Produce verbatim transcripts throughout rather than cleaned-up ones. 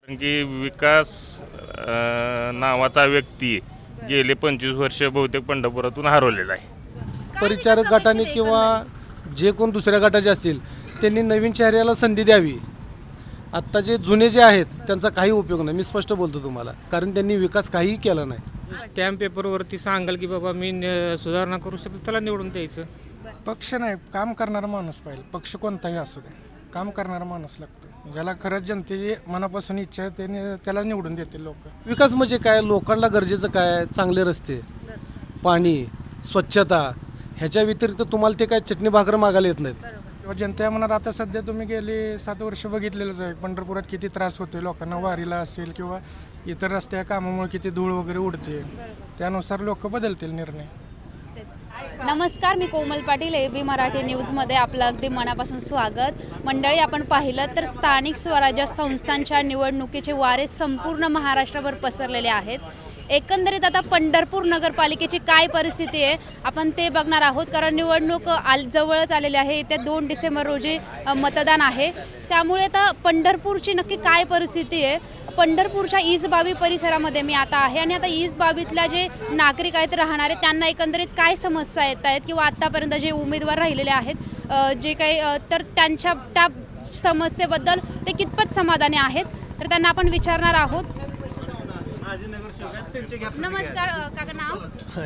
कारण की विकास अ, नावाचा व्यक्ती गेले पंचवीस वर्ष बहुतेक पंढरपुरातून हरवलेला आहे. परिचारक गटाने किंवा जे कोण दुसऱ्या गटाचे असतील त्यांनी नवीन चेहऱ्याला संधी द्यावी. आत्ता जे जुने जे आहेत त्यांचा काही उपयोग नाही. मी स्पष्ट बोलतो तुम्हाला, कारण त्यांनी विकास काहीही केला नाही. स्टॅम्प पेपरवरती सांगाल की बाबा मी न- सुधारणा करू शकतो, त्याला निवडून द्यायचं. पक्ष नाही, काम करणारा माणूस पाहिजे. पक्ष कोणताही असू दे, काम करणारा माणूस लागतो. ज्याला खरंच जनतेची मनापासून इच्छा आहे त्याने त्याला निवडून देतील लोक. विकास म्हणजे काय, लोकांना गरजेचं काय, चांगले रस्ते, पाणी, स्वच्छता, ह्याच्या व्यतिरिक्त तुम्हाला ते काय चटणी भाकर मागायला येत नाहीत. किंवा जनता म्हणणार आता सध्या तुम्ही गेली सात वर्ष बघितलेलंच आहे पंढरपुरात किती त्रास होतो लोकांना, वारीला असेल किंवा इतर रस्त्या कामामुळे किती धूळ वगैरे उडते. त्यानुसार लोक बदलतील निर्णय. नमस्कार, मी कोमल पाटील, ए बी मराठी न्यूजमध्ये आपलं अगदी मनापासून स्वागत. मंडळी, आपण पाहिलं तर स्थानिक स्वराज्य संस्थांच्या निवडणुकीचे वारे संपूर्ण महाराष्ट्रभर पसरलेले आहेत. एकंदरीत आता पंढरपूर नगरपालिकेची काय परिस्थिती आहे आपण ते बघणार आहोत, कारण निवडणूक आल जवळच आलेली आहे. येत्या दोन डिसेंबर रोजी मतदान आहे. त्यामुळे आता पंढरपूरची नक्की काय परिस्थिती आहे, पंढरपूरच्या ईसबावी परिसरामध्ये मी आता आहे आणि आता ईसबावीतल्या जे नागरिक आहेत राहणारे त्यांना एकंदरीत काय समस्या येत आहेत किंवा आत्तापर्यंत जे उमेदवार राहिलेले आहेत जे काही, तर त्यांच्या त्या समस्येबद्दल ते कितपत समाधानी आहेत, तर त्यांना आपण विचारणार आहोत. नमस्कार काका, नाव?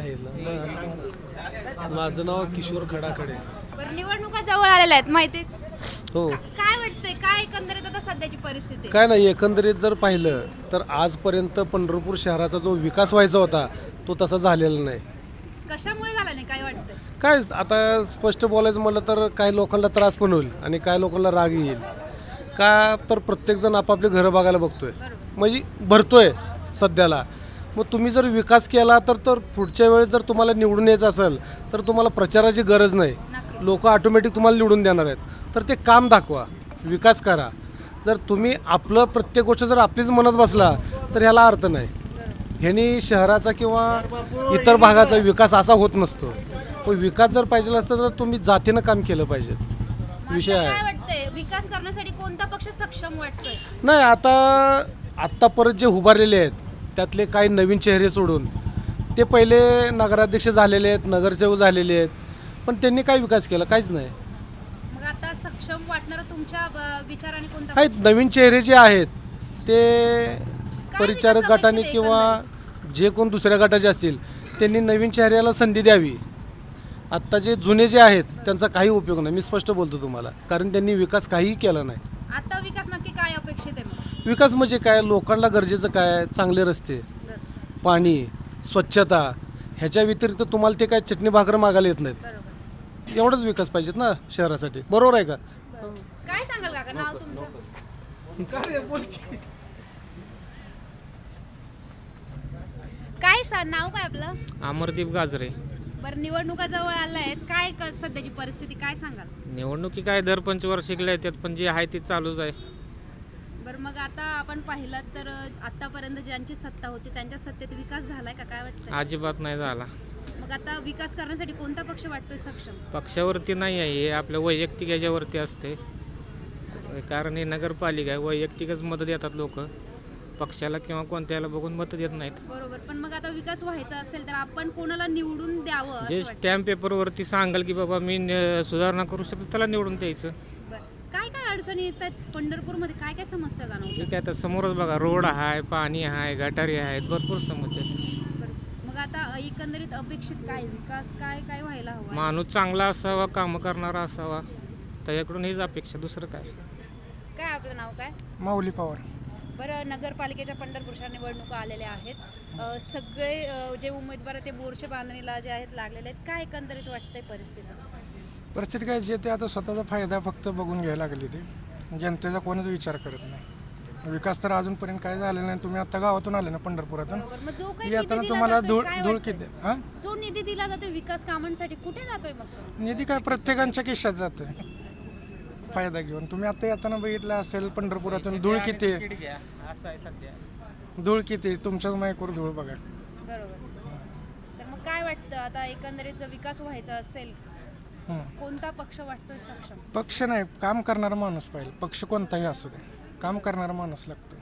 माझं नाव किशोर खडाखडे. बरं, निवडणुका जवळ आलेल्या आहेत माहिती, हो. काय वाटतंय, काय एकंदरीत आता सध्याची परिस्थिती? काय नाही, एकंदरीत जर पाहिलं तर आजपर्यंत पंढरपूर शहराचा जो विकास व्हायचा होता तो तसा झालेला नाही. कशामुळे झाला नाही, काय वाटतंय? काय आता स्पष्ट बोलायचं म्हटलं तर काही लोकांना त्रास पण होईल आणि काही लोकांना राग येईल. का तर प्रत्येकजण आपापली घरं बघायला बघतोय, म्हणजे भरतोय सध्याला. मग तुम्ही जर विकास केला तर तर पुढच्या वेळेस जर तुम्हाला निवडून यायचं असेल तर तुम्हाला प्रचाराची गरज नाही. लोक ऑटोमॅटिक तुम्हाला निवडून देणार आहेत. तर ते काम दाखवा, विकास करा. जर तुम्ही आपलं प्रत्येक गोष्ट जर आपलीच म्हणत बसला तर ह्याला अर्थ नाही. ह्यानी शहराचा किंवा इतर भागाचा विकास असा होत नसतो. पण विकास जर पाहिजे असतं तर तुम्ही जातीनं काम केलं पाहिजे. विषय काय आहे वाटतंय, विकास करण्यासाठी कोणता पक्ष सक्षम वाटतोय? नाही. आता आत्ता परत जे उभारलेले आहेत त्यातले काही नवीन चेहरे सोडून ते पहिले नगराध्यक्ष झालेले आहेत, नगरसेवक झालेले आहेत, पण त्यांनी काय विकास केला? काहीच नाही. मग आता सक्षम वाटणारा तुमच्या अ, विचाराने कोणता आहेत पक्ष? नवीन चेहरे जे आहेत ते परिचारक विकास गटाने अपेक्षित आहे किंवा जे कोण दुसऱ्या गटाचे असतील त्यांनी नवीन चेहऱ्याला संधी द्यावी. आत्ता जे जुने जे आहेत त्यांचा काही उपयोग नाही. मी स्पष्ट बोलतो तुम्हाला, कारण त्यांनी विकास काहीही केला नाही. आता विकास नक्की काय अपेक्षित आहे मग? विकास म्हणजे काय, लोकांना गरजेचं काय, चांगले रस्ते, पाणी, स्वच्छता, ह्याच्या व्यतिरिक्त तुम्हाला ते काय चटणी भाकर मागायला येत नाहीत. बरोबर. एवढंच विकास पाहिजेत ना शहरासाठी. बरोबर आहे का? काय सांगाल काका, नाव तुमचं? काय सा नाव काय आपलं? अमरदीप गाजरे. बरं, निवडणुका जवळ आल्या आहेत, काय क- सध्याची परिस्थिती काय सांगाल? निवडणुकी काय दर पंचवार्षिकला येतात, पण जे आहे ते चालूच आहे. बरं, मग आता आपण पाहिलं तर आतापर्यंत ज्यांची सत्ता होती त्यांच्या सत्तेत विकास झालाय का, काय वाटतं? अजिबात नाही झाला. मग आता विकास करण्यासाठी कोणता पक्ष वाटतोय सक्षम? पक्षावरती नाही आहे, हे आपल्या वैयक्तिक याच्यावरती असते. कारण हे नगरपालिका आहे, वैयक्तिकच मतं देतात लोक, पक्षाला किंवा कोणत्याला बघून मतं देत नाहीत. बरोबर, पण मग आता विकास व्हायचा असेल तर आपण कोणाला निवडून द्यावं असं जे वाटतं? स्टॅम्प पेपरवरती सांगाल की बाबा मी न- सुधारणा करू शकतो, त्याला निवडून द्यायचं. बरं, काय काय अडचणी येत आहेत पंढरपूरमध्ये, काय काय समस्या जाणवतात? ठीक आहे, आता समोरच बघा, रोड आहे, पाणी आहे, गटारी आहेत, भरपूर समस्या आहेत. बरं, मग आता एकंदरीत अपेक्षित काय, विकास काय काय व्हायला हवा? माणूस चांगला असावा, कामं करणारा असावा, त्याच्याकडून हीच अपेक्षा, दुसरं काय. काय आपलं नाव काय? माऊली पवार. बरं, नगरपालिकेच्या पंढरपूरच्या निवडणुका आलेल्या आहेत. अ, सगळे अ, जे उमेदवार आहेत ते बोरच्या बांधणीला जे आहेत लागलेले आहेत. काय एकंदरीत वाटतंय परिस्थिती? परिस्थिती काय, जे ते आता स्वतःचा फायदा फक्त बघून घ्यायला लागले. ते जनतेचा कोणच विचार करत नाही. विकास तर अजूनपर्यंत काय झालेला नाही. तुम्ही आता गावातून आले ना पंढरपुरातून, बरोबर, मग जो काही येताना निधी दिला तुम्हाला जातोय, धूळ काय धूळ वाटतंय? किती हां जो निधी दिला जातोय विकास कामांसाठी कुठे जातोय मग तो? निधी काय प्रत्येकांच्या खिशात जाते फायदा घेऊन. तुम्ही आता येताना बघितलं असेल पंढरपुरातून धूळ किती आहे, असं आहे सध्या. धूळ किती तुमच्याच मायकवर धूळ बघा. बरोबर, तर मग काय वाटतं आता एकंदरीत जर विकास व्हायचा असेल हं. कोणता पक्ष वाटतोय सक्षम? पक्ष नाही, काम करणारा माणूस पाहिजे. पक्ष कोणताही असू दे, काम करणारा माणूस लागतो.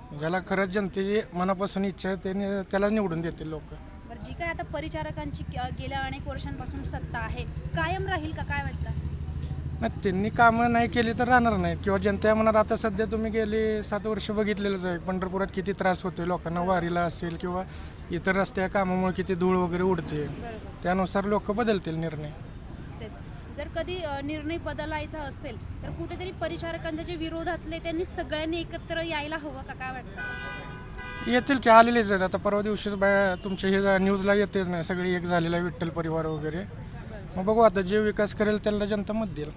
ज्याला खरंच जनतेची मनापासून इच्छा आहे त्याने त्याला निवडून देतील लोक. बरं, जी काय आता परिचारकांची गे- गेल्या अनेक वर्षांपासून सत्ता आहे, कायम राहील का, काय वाटतं? नाही, त्यांनी कामं नाही केली तर राहणार नाही किंवा जनता म्हणणार. आता सध्या तुम्ही गेले सात वर्ष बघितलेलंच आहे पंढरपुरात किती त्रास होतोय लोकांना, वारीला असेल किंवा इतर रस्त्या कामामुळे किती धूळ वगैरे उडते. बरोबर, त्यानुसार लोक बदलतील निर्णय. तेच. जर कधी अ, निर्णय बदलायचा असेल तर कुठेतरी परिचारकांच्या जे विरोधातले त्यांनी सगळ्यांनी एकत्र यायला हवं का, काय वाटतं? येतील की, आलेलेच आहेत. आता परवा दिवशीच बाय तुमच्या हे न्यूजला येतेच नाही, सगळी एक झालेला आहे विठ्ठल परिवार वगैरे. मग बघू आता जे विकास करेल त्याला जनता मत देईल.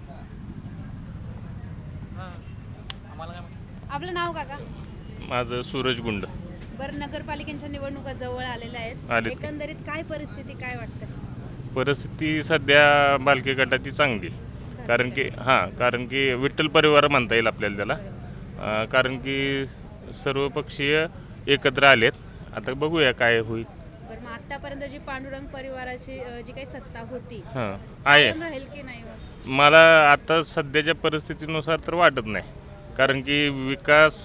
आपलं नाव काका? माझं सूरज गुंड. बरं, नगरपालिकेच्या निवडणुका जवळ आलेल्या आहेत, आलेत. एकंदरीत काय परिस्थिती, काय वाटतं? परिस्थिती सध्या बालकी गटाची चांगली, कारण की हां कारण की विठ्ठल परिवार म्हणता येईल आपल्याला त्याला. अं, कारण की सर्व पक्षीय एकत्र आलेत. आता बघूया काय होईल. बरं, मग आतापर्यंत जी पांडुरंग परिवाराची अ, जी काही सत्ता होती हां आहे. कायम राहील की नाही मग? मला आता सध्याच्या परिस्थितीनुसार तर वाटत नाही, कारण की विकास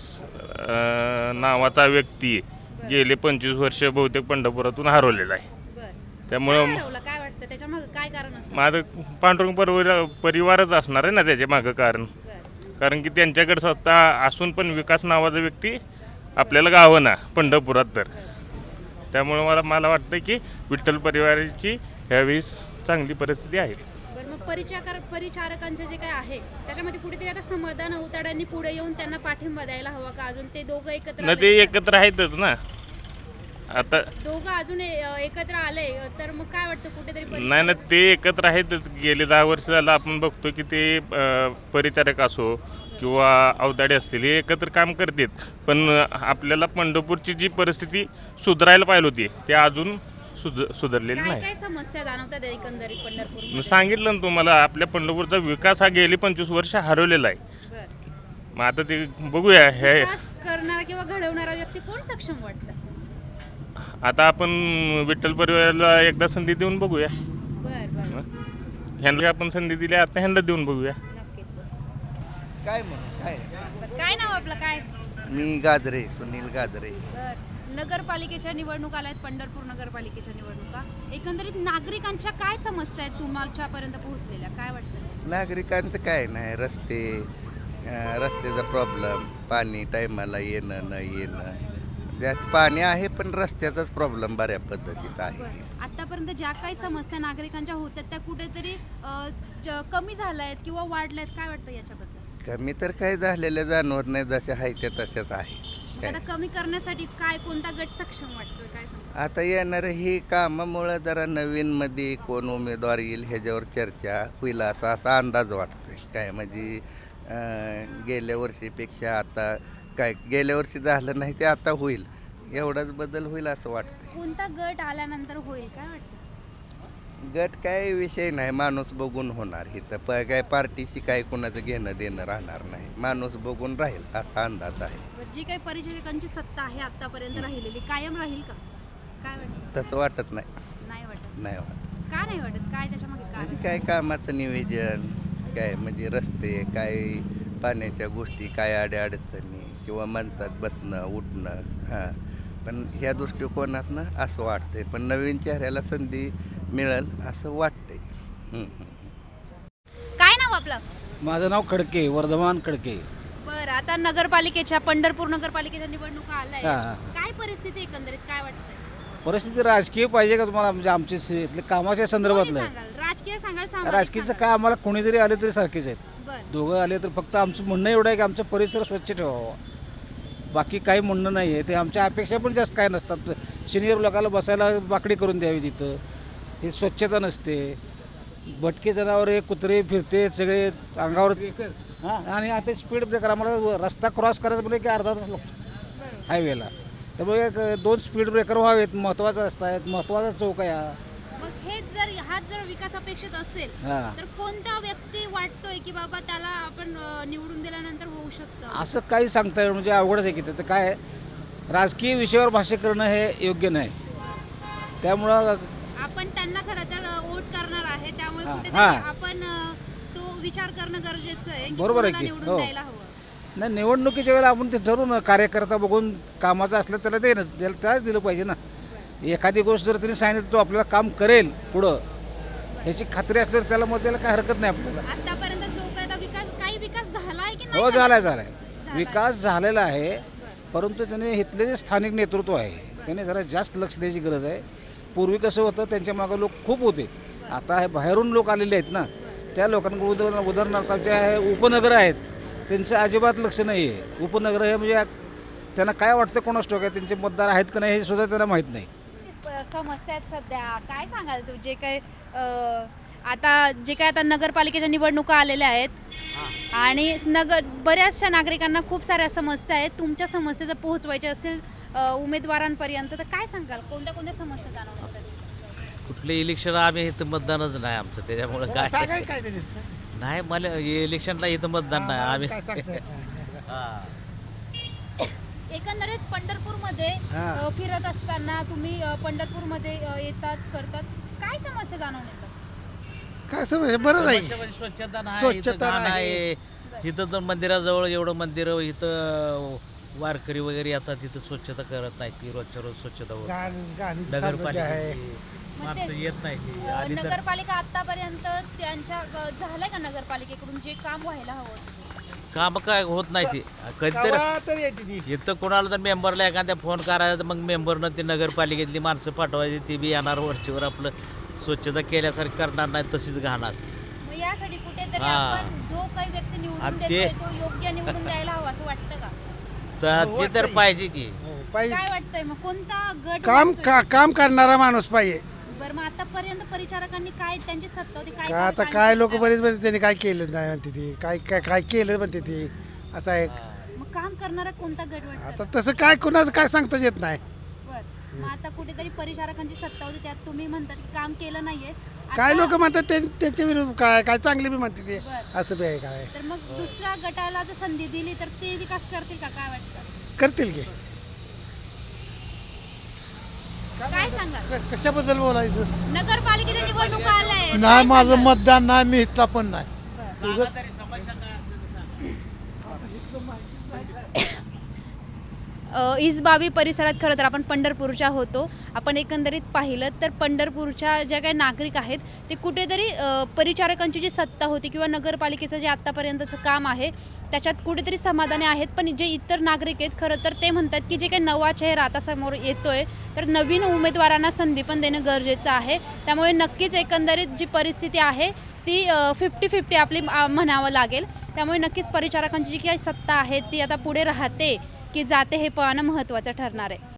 अं, नावाचा व्यक्ती गेले पंचवीस वर्ष बहुतेक पंढरपुरातून हरवलेला आहे. बरं, त्यामुळं काय हरवलं, काय वाटतं त्याच्यामागे काय कारण असतं? माझं पांडुरंग परिवार परिवारच असणार आहे ना त्याच्या मागं कारण. बरं, कारण की त्यांच्याकडे सत्ता असून पण विकास नावाचा व्यक्ती आपल्याला गावं ना पंढरपुरात. तर त्यामुळे मला मला वाटतं की विठ्ठल परिवाराची ह्यावेळेस चांगली परिस्थिती आहे. बरं, मग परिचारक परिचारकांचे जे काय आहे त्याच्यामध्ये कुठेतरी आता समाधान अवताड्यांनी पुढे येऊन त्यांना पाठिंबा द्यायला हवा का? अजून ते दोघं एकत्र न आले ते तर? एकत्र आहेतच ना आता. दोघं अजून ए- एकत्र आले तर मग काय वाटतं कुठेतरी नाही ना, परिचारक- ते एकत्र आहेतच. गेले दहा वर्ष झालं आपण बघतो की ते अं, परिचारक असो किंवा अवताडे असतील हे एकत्र काम करतात. पण आपल्याला पंढरपूरची जी परिस्थिती सुधारायला पाहिजे होती ते अजून सुध सुधारलेली काय नाही. काय समस्या जाणवतात एकंदरीत मी पंढरपूर? सांगितलं ना तुम्हाला, आपल्या पंढरपूरचा विकास हा गेली पंचवीस वर्ष हरवलेला आहे. मग आता ते बघूया. हे विकास करणारा किंवा घडवणारा व्यक्ती कोण सक्षम वाटतं? आता आपण विठ्ठल परिवाराला एकदा संधी देऊन बघूया. बर बर, ह्यांना आपण संधी दिली, आता ह्यांना देऊन बघूया. नक्कीच. काय म्हणून काय बरं, काय नाव आपलं, काय? मी गाजरे, सुनील गाजरे. बर, नगरपालिकेच्या निवडणुका आल्या आहेत, पंढरपूर नगरपालिकेच्या निवडणुका. एकंदरीत नागरिकांच्या काय समस्या आहेत तुमच्यापर्यंत पोहोचलेल्या, काय वाटतं? नागरिकांचं काय नाही, रस्ते अं, रस्त्याचा प्रॉब्लेम, पाणी टायमाला येणं न येणं. जास्त पाणी आहे पण रस्त्याचाच प्रॉब्लेम बऱ्या पद्धतीत आहे. बरं, आतापर्यंत ज्या काही समस्या नागरिकांच्या होत्या त्या कुठेतरी अ, ज- कमी झाल्या आहेत किंवा वाढल्या आहेत, काय वाटतं याच्याबद्दल? कमी तर काय झालेलं जाणवत नाही, जशा आहे त्या तशाच आहे. मग काय आता कमी करण्यासाठी काय, कोणता गट सक्षम वाटतोय, काय सांगता? आता येणारं ही कामामुळं जरा नवीनमध्ये कोण उमेदवार येईल ह्याच्यावर चर्चा होईल असा असा अंदाज वाटतोय. काय म्हणजे अं, गेल्या वर्षीपेक्षा आता काय गेल्या वर्षी झालं नाही ते आता होईल, एवढाच बदल होईल असं वाटतंय. कोणता गट आल्यानंतर होईल, काय वाटतं? गट काय विषय नाही, माणूस बघून होणार. इथं प काय पार्टीशी काय कोणाचं घेणं देणं राहणार नाही, माणूस बघून राहील असा अंदाज आहे. बरं, जी काही परिचारकांची सत्ता आहे आतापर्यंत राहिलेली कायम राहील का, काय वाटतं? तसं वाटत नाही. नाही वाटत. नाही वाटत का नाही वाटत, काय त्याच्यामागे म्हणजे काय? काय कामाचं नियोजन, काय म्हणजे रस्ते, काय पाण्याच्या गोष्टी, काय अडचणी किंवा माणसात बसणं उठणं. हां, पण ह्या दृष्टिकोनातनं असं वाटतंय. पण नवीन चेहऱ्याला संधी मिळेल असं वाटतंय. हं, हं. काय नाव आपलं? माझं नाव खडके, वर्धमान खडके. बरं, आता नगरपालिकेच्या पंढरपूर नगरपालिकेच्या निवडणुका आल्या हा, आहेत. हा. काय परिस्थिती एकंदरीत, काय वाटतंय? परिस्थिती राजकीय पाहिजे का तुम्हाला, म्हणजे आमचे से- इथले कामाच्या संदर्भातलं कोणी आहे. सांगाल? राजकीय सांगाल, सामाजिक राजकीयचं सांगाल? काय, आम्हाला कोणी जरी आले तरी सारखेच आहेत. बरं, दोघं आले तर फक्त आमचं म्हणणं एवढं आहे की आमचा परिसर स्वच्छ ठेवावा, बाकी काही म्हणणं नाही आहे. ते आमच्या अपेक्षा पण जास्त काय नसतात. सिनियर लोकांना बसायला बाकडी करून द्यावी तिथं, ही स्वच्छता नसते. भटके जनावरे, कुत्रे फिरते सगळे अंगावर. हां, आणि आता स्पीड ब्रेकर, आम्हाला रस्ता क्रॉस करायचं म्हणजे की अर्धा तास लागतो बरोबर. हायवेला. त्यामुळे एक दोन स्पीड ब्रेकर व्हावेत, महत्त्वाचा रस्ता आहे, महत्त्वाचा चौक आहे हा. मग हेच जर हाच जर विकास अपेक्षित असेल हां, तर कोणता व्यक्ती वाटतोय की बाबा त्याला आपण अ, निवडून दिल्यानंतर होऊ शकतं? असं काही सांगता येईल म्हणजे अवघडच आहे की ते. तर काय आहे, राजकीय विषयावर भाष्य करणं हे योग्य नाही. त्यामुळं आपण त्यांना खरं तर वोट करणार आहे, त्यामुळे हा, कुठेतरी हा. आपण अ, तो विचार करणं गरजेचं आहे की बरोबर आहे कोणाला की, निवडून हो. द्यायला हवं. नाही, निवडणुकीच्या वेळेला आपण ते ठरवू ना, कार्यकर्ता बघून कामाचं असलं त्याला ते त्याला त्यालाच दिलं पाहिजे ना. एखादी गोष्ट जर त्यांनी सांगितलं तो आपल्याला काम करेल पुढं ह्याची खात्री असल्यावर त्याला मग त्याला काय हरकत नाही आपल्याला. आतापर्यंत जो काही आता विकास काही विकास झाला आहे की नाही हो, झाला? झालाय झालाय विकास झालेला आहे, परंतु त्याने इथले जे स्थानिक नेतृत्व आहे त्याने जरा जास्त लक्ष द्यायची गरज आहे. पूर्वी कसं होतं, त्यांच्या मागं लोक खूप होते, आता हे बाहेरून लोक आलेले आहेत ना, त्या लोकांकडे उदाहरण उदाहरणार्थ जे आहे उपनगर आहेत त्यांचं अजिबात लक्ष नाही आहे. उपनगर हे म्हणजे त्यांना काय वाटतं कोणास ठाऊक आहे, त्यांचे मतदार आहेत का नाही हे सुद्धा त्यांना माहीत नाही. प- समस्या आहेत सध्या, काय सांगाल तू जे काही अं, आता जे काय आता नगरपालिकेच्या निवडणुका आलेल्या आहेत आणि नगर बऱ्याचशा नागरिकांना खूप साऱ्या समस्या आहेत, तुमच्या समस्या जर पोहोचवायच्या असेल अं, उमेदवारांपर्यंत तर काय सांगाल, कोणत्या कोणत्या समस्या जाणवतात? कुठले इलेक्शन आम्ही इथं मतदानच नाही आमचं, त्याच्यामुळं काय नाही, मला इलेक्शनला इथं मतदान नाही आम्ही. हा. एकंदरीत पंढरपूरमध्ये अं, फिरत असताना तुम्ही अं, पंढरपूरमध्ये अं, येतात करतात, काय समस्या जाणवून येतात? काय समज बरं नाही समस्या म्हणजे स्वच्छता नाही, स्वच्छता इथं घाण नाही. आहे. इथं तर मंदिराजवळ एवढं मंदिर, इथं वारकरी वगैरे येतात, तिथं स्वच्छता करत नाही, ती रोजच्या रोज स्वच्छता होत नाही. गाण- गाणी चालू आहे. नगरपालिकेची मग माणसं तेच. येत नाही ती. अं, आली तर नगरपालिका आतापर्यंत त्यांच्या अं, झालंय का नगरपालिकेकडून जे काम व्हायला हवं? काम काय होत नाही ती कधीतरी. गावात तर येते ती. इथं कोणाला तर मेंबरला एखाद्या फोन करायचा तर मग मेंबरनं ती नगरपालिकेतली माणसं पाठवायची, ती बी येणार वरचीवर आपलं स्वच्छता केल्यासारखी करणार नाही, तशीच घाण असते. मग यासाठी कुठेतरी हा. आपण जो काही व्यक्ती निवडून आणि देतोय ते- तो योग्य निवडून द्यायला हवा असं वाटतं का? तर ते तर पाहिजे की. हो, पाहिजे काय वाटतंय मग कोणता गट काम वाटतोय? का, काम करणारा माणूस पाहिजे. बरं मग आतापर्यंत परिचारकांनी काय त्यांची सत्ता होती काय का आता काम काय लोक केलं? बरेच म्हणते त्यांनी काय केलं नाही म्हणते ती, काय काय काय केलं म्हणते ती, असं आहे. मग काम करणारा कोणता गट वाटतं? आता तसं काय कुणाचं काय सांगता येत नाही. बरं मग आता कुठेतरी परिचारकांची सत्ता होती त्यात तुम्ही म्हणतात की काम केलं नाहीये. काय आता- लोक म्हणतात ते त्याच्या विरुद्ध काय काय चांगले बी म्हणते ते, बरं. असं बी आहे काय तर मग दुसऱ्या गटाला जर संधी दिली तर ते विकास करतील का काय वाटतं? करतील की. काय सांगा क- कशाबद्दल बोलायचं नगरपालिकेच्या निवडणुका आल्या आहेत. नाही, काय माझं सांगाल? मतदान नाही, मी इथला पण नाही. अ, इसबावी परिसरात खरं तर आपण पंढरपूरच्या होतो. आपण एकंदरीत पाहिलं तर पंढरपूरच्या ज्या काही नागरिक आहेत ते कुठेतरी अ, परिचारकांची जी सत्ता होती किंवा नगरपालिकेचं जे आत्तापर्यंतचं काम आहे त्याच्यात कुठेतरी समाधानी आहेत. पण जे इतर नागरिक आहेत खरं तर ते म्हणतात की जे काही नवा चेहरा आता समोर येतोय तर नवीन उमेदवारांना संधी पण देणं गरजेचं आहे. त्यामुळे नक्कीच एकंदरीत जी परिस्थिती आहे ती फिफ्टी फिफ्टी आपली आ, म्हणावं लागेल. त्यामुळे नक्कीच परिचारकांची जी काही सत्ता आहे ती आता पुढे राहते की जाते हे पाहणं महत्त्वाचं ठरणार आहे.